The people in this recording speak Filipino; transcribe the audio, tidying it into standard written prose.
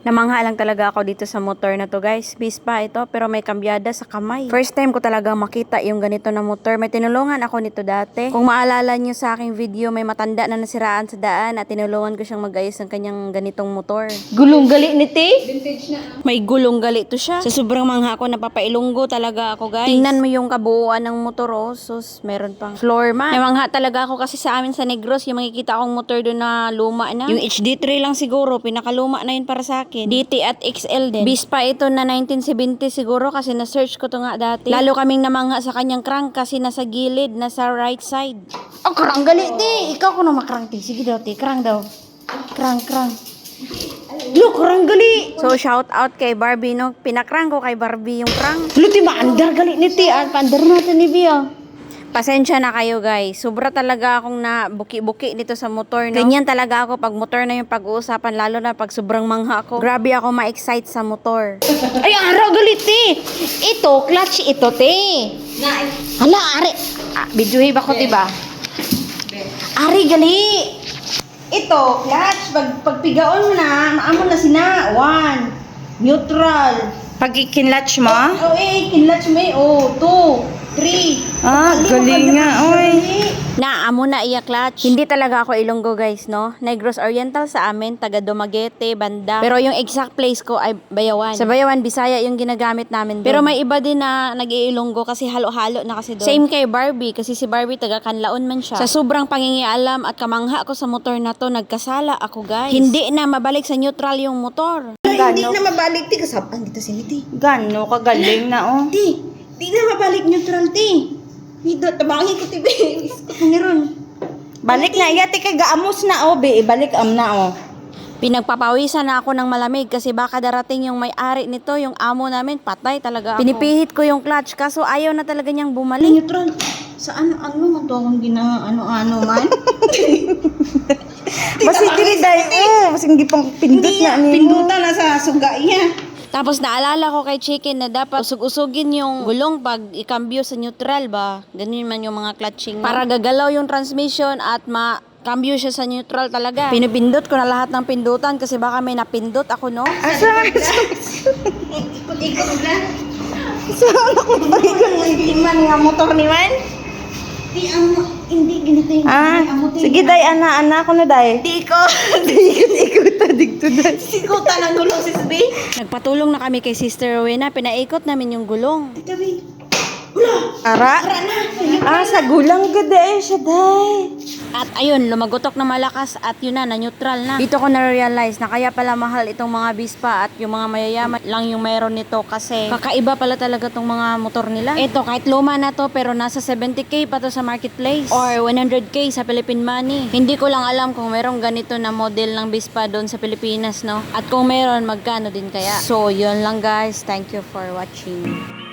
Namangha lang talaga ako dito sa motor na to guys. Vespa ito pero may kambyada sa kamay. First time ko talagang makita yung ganito na motor. May tinulungan ako nito dati. Kung maalala nyo sa aking video, may matanda na nasiraan sa daan at tinulungan ko siyang mag-ayos ng kanyang ganitong motor. Gulong gali ni ti. Vintage na. May gulong gali to siya. Sa sobrang mangha ko, napapailunggo talaga ako guys. Tingnan mo yung kabuuan ng motor oh. Sus, meron pang floor mat. Namangha talaga ako kasi sa amin sa Negros, yung makikita akong motor doon na luma na. Yung HD3 lang siguro, pinakaluma na yun para sa akin. DT at XL din. Vespa ito na 1970 siguro kasi na-search ko to nga dati. Lalo kaming namangha sa kanyang crank kasi nasa gilid, nasa right side. Oh, krang gali ti. Ikaw ko na makrang ti. Sige daw ti. Krang daw. Krang. Lo, krang gali. So shout out kay Barbie no. Pinakrang ko kay Barbie yung crank. Lo ti maandar gali ni ti. Paandar natin ni Bia. Pasensya na kayo guys. Sobra talaga akong na buki-buki dito sa motor. No? Ganyan talaga ako pag motor na yung pag-uusapan. Lalo na pag sobrang mangha ako. Grabe ako ma-excite sa motor. Ay, araw gali ti. Ito, clutch ito ti. Hala, ari. Bidyuhi ba ko ti ba? Ari gali. Ito, clutch. Pagpigaon mo na, maamon na sina. 1. Neutral. Pag ikinlatch mo? Oh, kinlatch mo eh. Oh, 2. 3. Galing nga, oy. Naamo na iya clutch. Hindi talaga ako Ilonggo guys, no? Negros Oriental sa amin, taga Dumaguete, Banda. Pero yung exact place ko ay Bayawan. Sa Bayawan, Bisaya yung ginagamit namin doon. Pero may iba din na nag-iilonggo kasi halo-halo na kasi doon. Same kay Barbie, kasi si Barbie taga Kanlaon man siya. Sa sobrang pangingialam at kamangha ko sa motor na to, nagkasala ako guys. Hindi na mabalik sa neutral yung motor. Hindi na mabalik ti. Kasapan kita si ti. Gano kagaling na, oh. Di na mabalik neutral ti. Hindi, tabangin ko ti be. Meron. Balik na, iya, tika gaamos na, oh, be. Ibalik na, oh. Pinagpapawisan na ako ng malamig kasi baka darating yung may-ari nito, yung amo namin, patay talaga ako. Pinipihit ko yung clutch kaso ayaw na talaga niyang bumalik. Neutral. Sa ano man to akong ano man. Basi dili dai, oh. Basi hindi pang pindot na ni. Pindutan na sa suga iya. Tapos naalala ko kay Chicken na dapat usog-usogin yung gulong pag ikambyo sa neutral ba. Ganun man yung mga clutching. Para gagalaw yung transmission at makambyo siya sa neutral talaga. Pinipindot ko na lahat ng pindutan kasi baka may napindot ako, no? Ikot-ikot na. Hindi man nga motor ni man. Hindi ganito yung Sige dai, ana ko na dai. Di ko. Ikot dito dai. Sikutan ang gulong sis B. Nagpatulong na kami kay Sister Rowena. Pinaikot namin yung gulong. Tabi. Ara. Sa gulang gud dai siya dai. At ayun, lumagotok na malakas at yun na neutral na. Dito ko na-realize na kaya pala mahal itong mga Vespa at yung mga mayayaman lang yung mayroon nito kasi kakaiba pala talaga tong mga motor nila. Ito, kahit luma na to pero nasa 70k pa to sa marketplace or 100k sa Philippine money. Hindi ko lang alam kung merong ganito na model ng Vespa doon sa Pilipinas, no? At kung meron, magkano din kaya? So, yun lang guys. Thank you for watching.